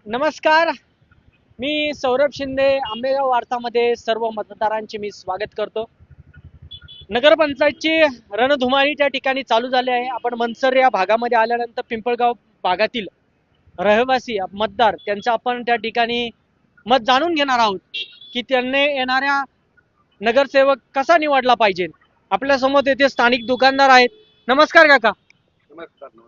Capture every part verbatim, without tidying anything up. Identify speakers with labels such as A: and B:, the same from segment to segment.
A: नमस्कार. मी सौरभ शिंदे, आंबेगाव वार्तामध्ये सर्व मतदारांचे मी स्वागत करतो. नगरपंचायतची रणधुमाळी त्या ठिकाणी चालू झाली आहे. आपण मनसर या भागामध्ये आल्यानंतर पिंपळगाव भागातील रहिवासी मतदार त्यांचं आपण त्या ठिकाणी मत जाणून घेणार आहोत की त्यांनी येणाऱ्या नगरसेवक कसा निवडला पाहिजे. आपल्या समोर येथे स्थानिक दुकानदार आहेत. नमस्कार काका.
B: नमस्कार नमस्कार.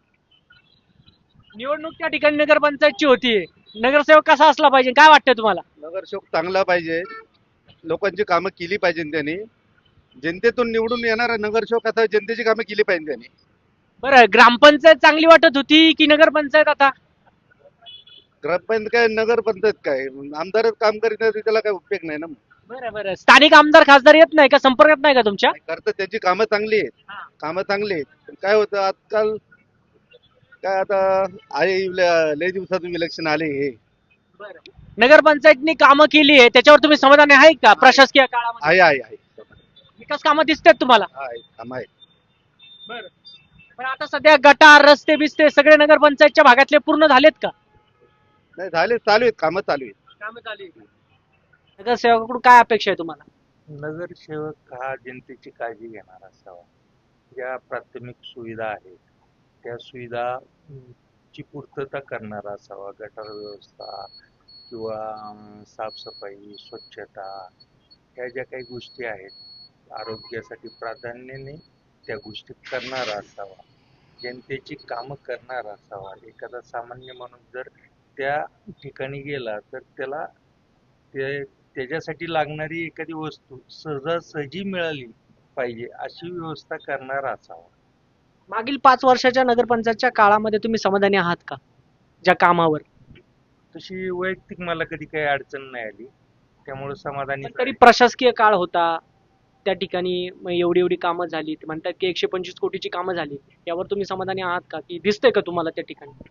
A: निवडणूक त्या ठिकाणी नगरपंचायतची होतीये. नगरसेवक कसा असला पाहिजे काय वाटतं तुम्हाला?
B: नगरसेवक चांगला पाहिजे, लोकांची कामं केली पाहिजे त्यांनी. जनतेतून निवडून येणारा नगरसेवक आता जनतेची कामं केली पाहिजे त्यांनी.
A: बरं, ग्रामपंचायत चांगली वाटत होती की नगरपंचायत आता?
B: ग्रामपंचायत काय नगरपंचायत काय, आमदारच काम करीत नाही तर त्याला काय उपयोग नाही ना.
A: बरं बरं, स्थानिक आमदार खासदार येत नाही का, संपर्कात नाही का तुमच्या?
B: करतात त्याची कामं चांगली आहेत,
A: हा.
B: कामं चांगली आहेत. पण काय होतं आजकाल, काय आता आहे लय दिवसातून इलेक्शन आले हे.
A: बरं, नगरपंचायतनी कामं केली आहे त्याच्यावर तुम्ही समाधानी आहे का? प्रशासकीय काळामध्ये
B: आहे आहे आहे
A: विकास कामं दिसतात तुम्हाला?
B: आहे काम आहे.
A: बरं, पण आता सध्या गटार रस्ते बिस्ते सगळे नगरपंचायतच्या भागातले पूर्ण झालेत का?
B: नाही झाले, चालू आहेत कामं, चालू आहेत.
A: कामं चालू आहेत. नगरसेवकाकडून काय अपेक्षा आहे तुम्हाला?
C: नगरसेवक हा जनतेची काळजी घेणारा असावा. ज्या प्राथमिक सुविधा आहेत त्या सुविधा अं, ची पूर्तता करणारा असावा. गटार व्यवस्था किंवा अं, साफसफाई, स्वच्छता ह्या ज्या काही गोष्टी आहेत आरोग्यासाठी प्राधान्याने त्या गोष्टी करणारा असावा. जनतेची कामं करणारा असावा. एखादा सामान्य माणूस जर त्या ठिकाणी गेला तर त्याला ते त्याच्यासाठी लागणारी एखादी वस्तू सहजासहजी मिळाली पाहिजे अशी व्यवस्था करणारा असावा.
A: मागील पाच वर्षाच्या नगरपंचायतच्या काळामध्ये तुम्ही समाधानी आहात का ज्या कामावर?
C: तशी वैयक्तिक मला कधी काही अडचण नाही आली, त्यामुळे समाधानी
A: पण तरी प्रशासकीय काळ होता त्या ठिकाणी मग एवढी एवढी कामं झाली, ते म्हणतात की एकशे पंचवीस कोटीची कामं झाली. यावर तुम्ही समाधानी आहात का, की दिसतंय का तुम्हाला त्या ठिकाणी?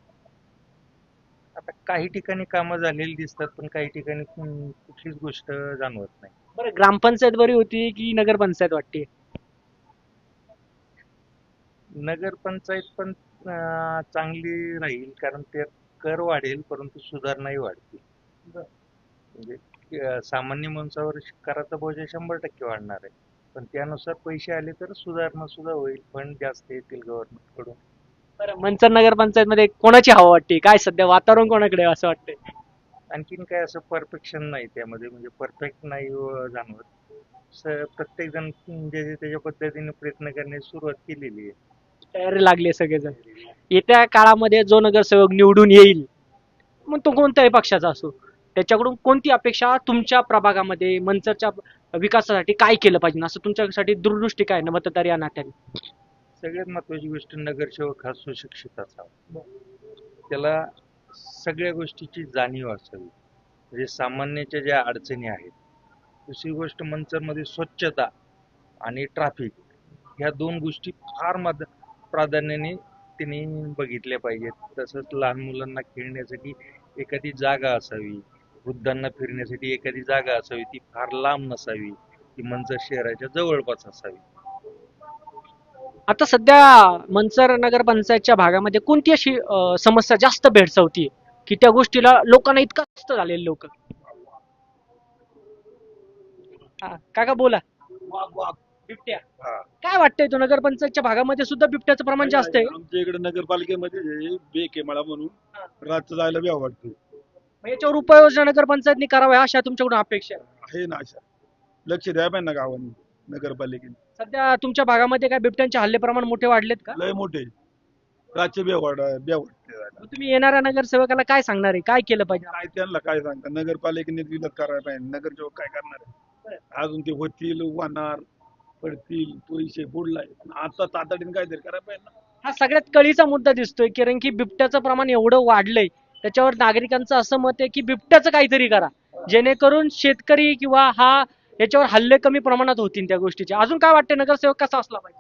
C: आता काही ठिकाणी कामं झालेली दिसतात पण काही ठिकाणी कुण- कुठलीच गोष्ट जाणवत नाही.
A: बरं, ग्रामपंचायत बरी होती की नगरपंचायत वाटते?
C: नगरपंचायत पण अं, चांगली राहील कारण ते कर वाढेल परंतु सुधारणाही वाढतील. म्हणजे अं, सामान्य माणसावर कराचा बोजा शंभर टक्के वाढणार आहे, पण त्यानुसार पैसे आले तर सुधारणा सुद्धा होईल, फंड जास्त येतील गव्हर्नमेंट कडून.
A: बरं, मंचर नगरपंचायत मध्ये कोणाची हवा वाटते, काय सध्या वातावरण कोणाकडे आहे असं वाटतंय?
C: आणखीन काय असं परफेक्शन नाही त्यामध्ये, म्हणजे परफेक्ट नाही अं, जाणवत. स- प्रत्येक जण जे त्याच्या पद्धतीने प्रयत्न करण्याची सुरुवात केलेली आहे.
A: तयारी लागले सगळेजण. येत्या काळामध्ये जो नगरसेवक निवडून येईल मग तो कोणत्याही पक्षाचा असो, त्याच्याकडून कोणती अपेक्षा तुमच्या प्रभागामध्ये मंचरच्या विकासासाठी काय केलं पाहिजे असं तुमच्यासाठी दूरदृष्टी काय ना मतदार या नात्याने?
C: सगळ्यात महत्वाची गोष्ट, नगरसेवक हा सुशिक्षित असावा. त्याला सगळ्या गोष्टीची जाणीव असावी, म्हणजे सामान्याच्या ज्या अडचणी आहेत. दुसरी गोष्ट, मंचरमध्ये स्वच्छता आणि ट्रॅफिक ह्या दोन गोष्टी फार मद प्राधान्याने त्यांनी बघितल्या पाहिजेत. तसंच लहान मुलांना खेळण्यासाठी एखादी जागा असावी, वृद्धांना फिरण्यासाठी एखादी जागा असावी, ती फार लांब नसावी, ती मंचर शहराच्या जवळपास असावी.
A: आता सध्या मंचर नगरपंचायतच्या भागामध्ये कोणती अशी अं, समस्या जास्त भेडसावतीये की त्या गोष्टीला लोकांना इतका त्रस्त झालेले लोक? काका बोला. बिबट्या
B: हा.
A: काय वाटतंय, तो नगरपंचायतच्या भागामध्ये सुद्धा बिबट्याचं प्रमाण जास्त आहे?
D: आमच्या इकडे नगरपालिकेमध्ये बेक आहे मला म्हणून रातचं जायला बी आवडतं.
A: मग याच्यावर उपाययोजना नगरपंचायतनी कराव्या अशा तुमच्याकडून अपेक्षा आहे?
D: आहे ना, अशा लक्ष द्या पाहिजे ना गावांनी, नगरपालिकेने.
A: सध्या तुमच्या भागामध्ये काय बिबट्यांचे हल्ले प्रमाण मोठे वाढलेत का?
D: लय मोठे रातचे बी आवड बी आवडते जायला.
A: मग तुम्ही येणाऱ्या नगरसेवकाला काय सांगणार आहे, काय केलं पाहिजे?
D: काय त्यांना काय सांगता, नगरपालिकेने विरोध करायला पाहिजे. नगरसेवक काय करणार आहे? अजून ते होतील, वाहणार पडतील, पैसे बुडलाय. आता तातडीने काहीतरी करायला पाहिजे ना.
A: हा सगळ्यात कळीचा मुद्दा दिसतोय, कारण की बिबट्याचं प्रमाण एवढं वाढलंय, त्याच्यावर नागरिकांचं असं मत आहे की बिबट्याचं काहीतरी करा, जेणेकरून शेतकरी किंवा हा याच्यावर हल्ले कमी प्रमाणात होतील त्या गोष्टीचे. अजून काय वाटतं, नगरसेवक कसा असला पाहिजे?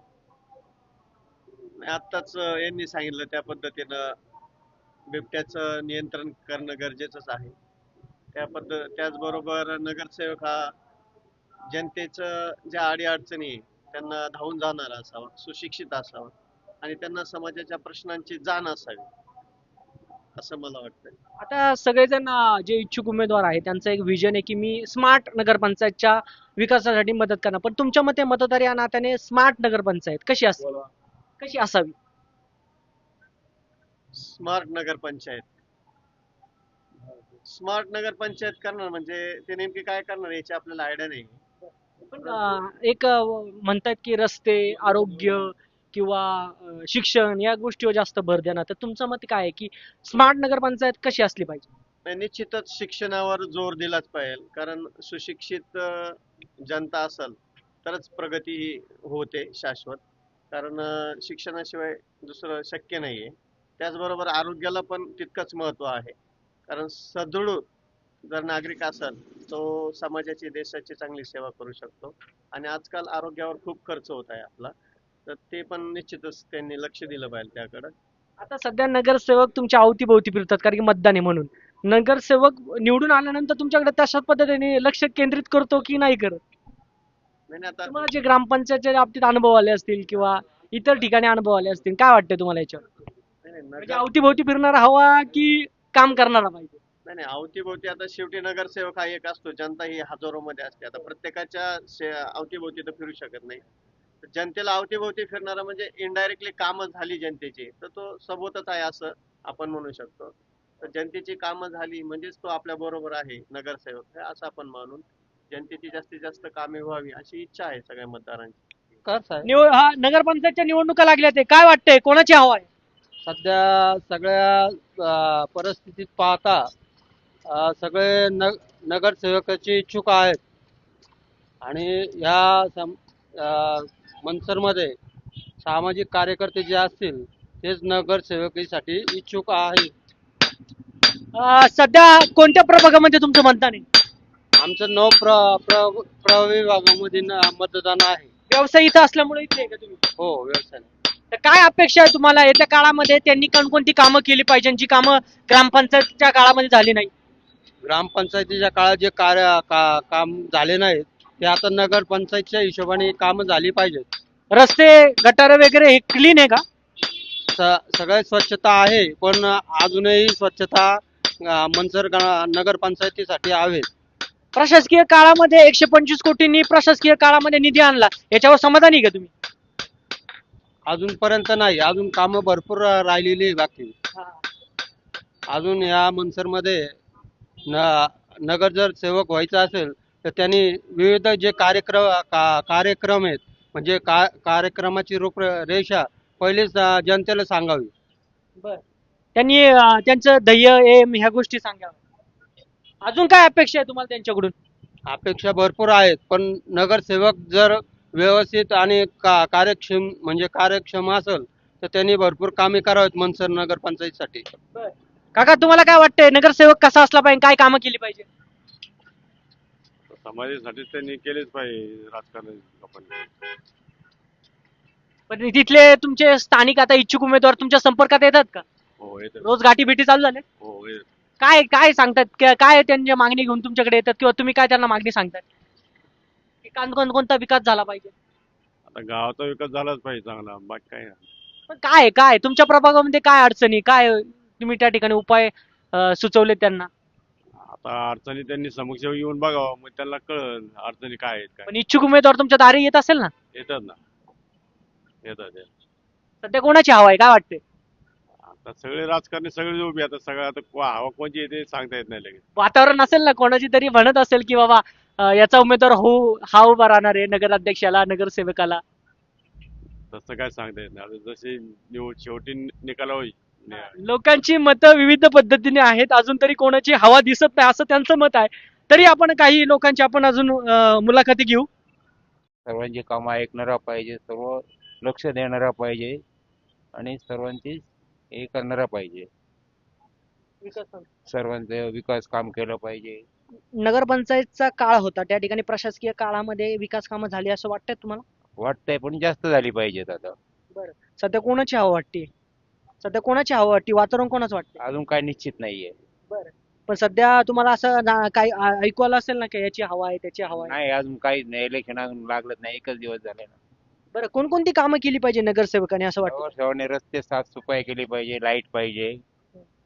E: आत्ताच यांनी सांगितलं त्या पद्धतीनं बिबट्याचं नियंत्रण करणं गरजेचंच आहे. त्या पद्धत त्याचबरोबर नगरसेवक हा जनतेचं ज्या अडीअडचणी आहे, त्यांना धावून जाणारा असावा, सुशिक्षित असावा आणि त्यांना समाजाच्या प्रश्नांची जाण असावी. असं मला वाटतं.
A: आता सगळेजण अं, जे इच्छुक उमेदवार आहेत त्यांचं एक विजन आहे की मी स्मार्ट नगरपंचायतच्या विकासासाठी मदत करणार, पण तुमच्या मते मतदार या नात्याने स्मार्ट नगरपंचायत कशी असावी, कशी असावी?
E: स्मार्ट नगरपंचायत स्मार्ट नगरपंचायत करणार म्हणजे ते नेमके काय करणार याची आपल्याला आयडिया नाही.
A: पण अं, एक अं, म्हणतात की रस्ते, आरोग्य किंवा अं, शिक्षण या गोष्टीवर जास्त भर देणार, तर तुमचं मत काय आहे की स्मार्ट नगरपंचायत कशी असली पाहिजे?
E: नाही, निश्चितच शिक्षणावर जोर दिलाच पाहिजे, कारण सुशिक्षित अ, जनता असेल तरच प्रगती ही होते शाश्वत. कारण अ, शिक्षणाशिवाय दुसरं शक्य नाहीये. त्याचबरोबर आरोग्याला पण तितकंच महत्त्व आहे, कारण सदृढ जर नागरिक असेल तो समाजाची देशाची चांगली सेवा करू शकतो. आणि आजकाल आरोग्यावर खूप खर्च होत आहे आपला, तर ते पण निश्चितच त्यांनी लक्ष दिलं पाहिजे त्याकडं.
A: आता सध्या नगरसेवक तुमच्या अवतीभोवती फिरतात कारण की मतदान आहे म्हणून. नगरसेवक निवडून आल्यानंतर तुमच्याकडे तशाच पद्धतीने लक्ष केंद्रित करतो की नाही करत?
E: नाही नाही, आता
A: तुम्हाला जे ग्रामपंचायतच्या बाबतीत अनुभव आले असतील किंवा इतर ठिकाणी अनुभव आले असतील, काय वाटतंय तुम्हाला याच्यावर?
E: नाही नाही,
A: म्हणजे
E: नगर
A: अवतीभोवती फिरणारा हवा की काम करणारा पाहिजे?
E: नाही नाही, अवतीभोवती आता शेवटी नगरसेवक हा एक असतो, जनता ही हजारो मध्ये असते. आता प्रत्येकाच्या शे- अवतीभोवती तर फिरू शकत नाही. तर जनतेला अवतीभोवती फिरणारा म्हणजे इनडायरेक्टली कामं झाली जनतेची, तर तो सबोतच आहे असं आपण म्हणू शकतो. तर जनतेची कामं झाली म्हणजेच तो आपल्या बरोबर आहे नगरसेवक, हे असं आपण मानून जनतेची जास्तीत जास्त कामे व्हावी अशी इच्छा आहे सगळ्या मतदारांची.
A: निवड हा नगरपंचायतच्या निवडणुका लागल्या ते काय वाटतंय कोणाची हवा आहे?
F: सध्या सगळ्या अ, परिस्थितीत पाहता अ, सगळे न नगरसेवकाचे इच्छुक आहेत आणि ह्या सम अ, मनसरमध्ये सामाजिक कार्यकर्ते जे असतील तेच नगरसेवकीसाठी इच्छुक आहेत.
A: अं, सध्या कोणत्या प्रभागामध्ये तुमचं मतदान आहे?
F: आमचं नऊ प्र प्र प्रविभागामध्ये न- मतदान आहे.
A: व्यवसाय इथं असल्यामुळे इथे आहे का तुम्ही?
F: हो, व्यवसाय.
A: तर काय अपेक्षा आहे तुम्हाला येत्या काळामध्ये त्यांनी कोणकोणती कामं केली पाहिजे जी कामं ग्रामपंचायतच्या काळामध्ये झाली नाही?
F: ग्रामपंचायतीच्या काळात जे कार्य का काम झाले नाहीत ते आता नगरपंचायतच्या हिशोबाने कामं झाली पाहिजेत.
A: रस्ते गटार वगैरे हे क्लीन आहे का?
F: स सगळ्यात स्वच्छता आहे, पण अजूनही स्वच्छता अं, मनसर गा- नगरपंचायतीसाठी हवे.
A: प्रशासकीय काळामध्ये एकशे पंचवीस कोटींनी प्रशासकीय काळामध्ये निधी आणला, याच्यावर समाधानी आहे का तुम्ही?
F: अजूनपर्यंत नाही, अजून कामं भरपूर राहिलेली आहे बाकी. अजून या मनसरमध्ये न नगर जर सेवक व्हायचं असेल तर त्यांनी विविध जे कार्यक्रम का कार्यक्रम आहेत म्हणजे का कार्यक्रमाची रूपरेषा पहिलेच अं, जनतेला सांगावी.
A: बर, त्यांनी अं, त्यांचं ध्येय एम ह्या गोष्टी सांगाव्या. अजून काय अपेक्षा आहे तुम्हाला त्यांच्याकडून?
F: अपेक्षा भरपूर आहेत, पण नगरसेवक जर व्यवस्थित आणि का कार्यक्षम म्हणजे कार्यक्षम असेल तर त्यांनी भरपूर कामे करावीत मनसर नगरपंचायतीसाठी.
A: काका तुम्हाला काय वाटतंय नगरसेवक कसा असला पाहिजे, काय कामं केली पाहिजे?
G: समाजासाठी त्यांनी केलेच पाहिजे राजकारण लोकांनी.
A: पण तिथले तुमचे स्थानिक आता इच्छुक उमेदवार तुमच्या संपर्कात येतात का?
G: हो येतात.
A: रोज गाठी भेटी चालू झाल्या?
G: हो येतात.
A: काय काय सांगतात क- काय त्यांच्या मागणी घेऊन तुमच्याकडे येतात किंवा तुम्ही काय त्यांना मागणी सांगतात की कान- कोण कोणता विकास झाला पाहिजे?
G: आता गावाचा विकास झालाच पाहिजे चांगला, बाकी काय नाही.
A: पण काय काय तुमच्या प्रभागामध्ये काय अडचणी काय तुम्ही त्या ठिकाणी उपाय अं, सुचवले त्यांना?
G: आता अडचणी त्यांनी समक्ष येऊन बघावं, मग त्यांना कळल अडचणी काय आहेत काय.
A: पण इच्छुक उमेदवार तुमच्या दारी येत असेल ना?
G: येतात ना, येतात येतात.
A: सध्या कोणाची हवा आहे काय वाटते?
G: आता सगळे राजकारणी सगळे उभे आता सगळं आता को- हवा कोणची येते सांगता येत नाही लगेच.
A: वातावरण असेल ना कोणाची तरी म्हणत असेल की बाबा अं, याचा उमेदवार हो हा उभा राहणार आहे नगराध्यक्षाला नगरसेवकाला.
G: तसं काय सांगता येत नाही. आता जशी निवड शेवटी निकाल होईल.
A: लोकांची मतं विविध पद्धतीने आहेत, अजून तरी कोणाची हवा दिसत नाही असं त्यांचं मत आहे. तरी आपण काही लोकांची आपण अजून अं, मुलाखती घेऊ.
H: सर्वांची कामं ऐकणारा पाहिजे, सर्व लक्ष देणारा पाहिजे आणि सर्वांची हे करणारा पाहिजे. सर्वांचं विकास काम केलं पाहिजे.
A: नगरपंचायतचा काळ होता त्या ठिकाणी प्रशासकीय काळामध्ये विकास कामं झाली असं वाटतंय तुम्हाला?
H: वाटतंय पण जास्त झाली पाहिजेत आता.
A: सध्या कोणाची हवा वाटते? सध्या कोणाची हवा वाटते, वातावरण कोणाचं वाटतं?
H: अजून काय निश्चित नाहीये.
A: पण सध्या तुम्हाला असं ना- काही आ- ऐकू आलं असेल ना की याची हवा आहे त्याची हवा आहे?
H: नाही अजून काही नाही, इलेक्शन अजून लागलंच नाही, एकच दिवस झाले ना.
A: बरं, कोणकोणती कामं केली पाहिजे नगरसेवकाने असं वाटतं?
H: सर्वांनी रस्ते साफसफाई केली पाहिजे, लाईट पाहिजे,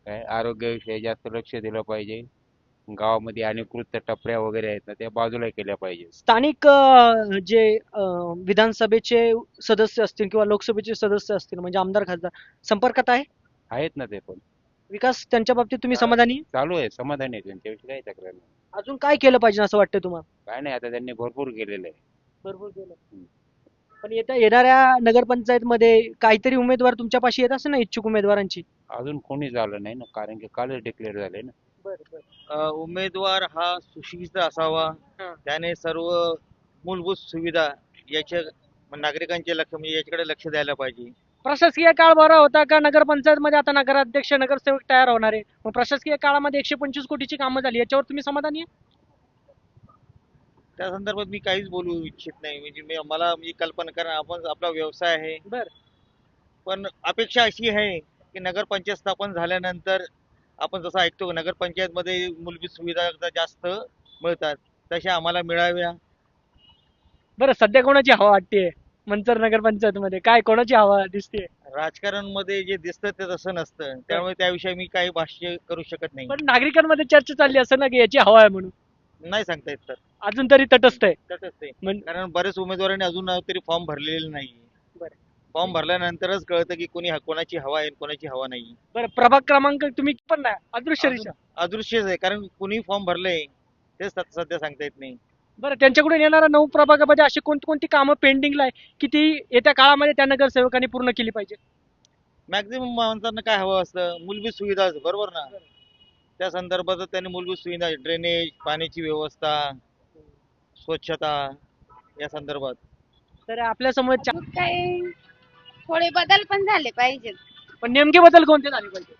H: काय आरोग्याविषयी जास्त लक्ष दिलं पाहिजे. गावामध्ये अनधिकृत टपऱ्या वगैरे आहेत ना, त्या बाजूला केल्या पाहिजे.
A: स्थानिक अ, जे अ, विधानसभेचे सदस्य असतील किंवा लोकसभेचे सदस्य असतील म्हणजे आमदार खासदार संपर्कात आहे
H: आहेत ना ते पण.
A: विकास त्यांच्या बाबतीत तुम्ही समाधानी आहे?
H: चालू आहे, समाधानी आहे त्यांच्याविषयी काही तक्रार नाही.
A: अजून काय केलं पाहिजे असं वाटतं तुम्हाला?
H: काय नाही, आता त्यांनी भरपूर केलेलं आहे.
A: भरपूर केलं. पण येत्या येणाऱ्या नगरपंचायत मध्ये काहीतरी उमेदवार तुमच्यापाशी येत असेल ना, इच्छुक उमेदवारांची?
H: अजून कोणी झालं नाही ना, कारण की कालच डिक्लेअर झाले ना.
I: अ, उमेदवार हा सुशिक्षित असावा,
A: हा.
I: त्याने सर्व मूलभूत सुविधा याच्या नागरिकांचे लक्ष म्हणजे याच्याकडे लक्ष द्यायला पाहिजे.
A: प्रशासकीय काळ बरा होता का? नगरपंचायत मध्ये आता नगराध्यक्ष नगरसेवक तयार होणार आहे, मग प्रशासकीय काळामध्ये एकशे पंचवीस कोटीची कामं झाली, याच्यावर तुम्ही समाधानी आहे?
I: त्या संदर्भात मी काहीच बोलू इच्छित नाही. म्हणजे मी मला म्हणजे कल्पना कारण आपण आपला व्यवसाय आहे.
A: बर.
I: पण अपेक्षा अशी आहे की नगरपंचायत स्थापन झाल्यानंतर आपण जसं ऐकतो नगरपंचायत मध्ये मूलभूत सुविधा जास्त मिळतात, तशा आम्हाला मिळाव्या.
A: बरं, सध्या कोणाची हवा वाटते मंचर नगरपंचायत मध्ये? काय कोणाची हवा दिसते?
I: राजकारणमध्ये जे दिसतं ते तसं नसतं, त्यामुळे त्याविषयी मी काही भाष्य करू शकत नाही.
A: पण नागरिकांमध्ये चर्चा चालली असं ना की याची हवा आहे म्हणून.
I: नाही सांगता येत सर.
A: अजून तरी तटस्थ आहे.
I: तसंच आहे.
A: म्हण-
I: कारण बरेच उमेदवारांनी अजून तरी फॉर्म भरलेले नाही.
A: बरं.
I: फॉर्म भरल्यानंतरच कळतं की कोणी कोणाची हवा आहे आणि कोणाची हवा नाही.
A: बरं, प्रभाग क्रमांक तुम्ही पण नाही अदृश्य दिशा.
I: अदृश्यच आहे, कारण कुणी फॉर्म भरलंय तेच सध्या सध्या सांगता येत नाही.
A: बरं, त्यांच्याकडून येणाऱ्या नऊ प्रभागामध्ये अशी कोणती कोणती कामं पेंडिंगला आहे की ती येत्या काळामध्ये त्या नगरसेवकांनी पूर्ण केली पाहिजे?
I: मॅक्झिमम माणसांना काय हवं असतं? मूलभूत सुविधा बरोबर ना. त्या संदर्भात त्यांनी मूलभूत सुविधा ड्रेनेज, पाण्याची व्यवस्था, स्वच्छता या संदर्भात.
A: तर आपल्या समोर चा-
J: मग काय थोडे बदल पण झाले पाहिजेत.
A: पण नेमके बदल कोणते झाले पाहिजे?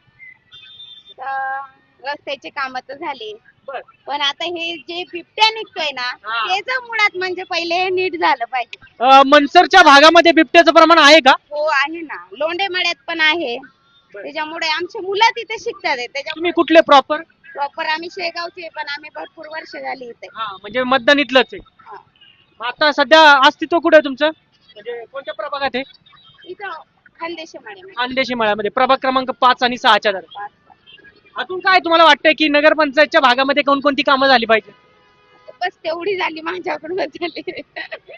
J: तर रस्त्याचे काम तर झाले,
A: बर.
J: पण आता हे जे बिबट्या निघतोय ना
A: हा.
J: त्याच मुळात म्हणजे पहिले हे नीट झालं पाहिजे.
A: अं, मनसरच्या भागामध्ये बिबट्याचं प्रमाण आहे का?
J: हो आहे ना, लोंढेमाळ्यात पण आहे. त्याच्यामुळे आमचे मुलं तिथे शिकतात आहे. त्याच्यामुळे
A: तुम्ही कुठले प्रॉपर?
J: प्रॉपर आम्ही शेगावचे, पण आम्ही भरपूर वर्ष झाली इथे.
A: हा, म्हणजे मतदान इथलंच आहे.
J: हा.
A: मग आता सध्या अस्तित्व कुठे आहे तुमचं? म्हणजे कोणत्या प्रभागात आहे?
J: इथं खानदेशी माळे
A: खानदेशी मळ्यामध्ये प्रभाग क्रमांक पाच आणि सहाच्या दरम्यान. अजून काय तुम्हाला वाटतंय की नगरपंचायतच्या भागामध्ये कोणकोणती कामं झाली पाहिजे?
J: बस तेवढी झाली माझ्याकडून झाली.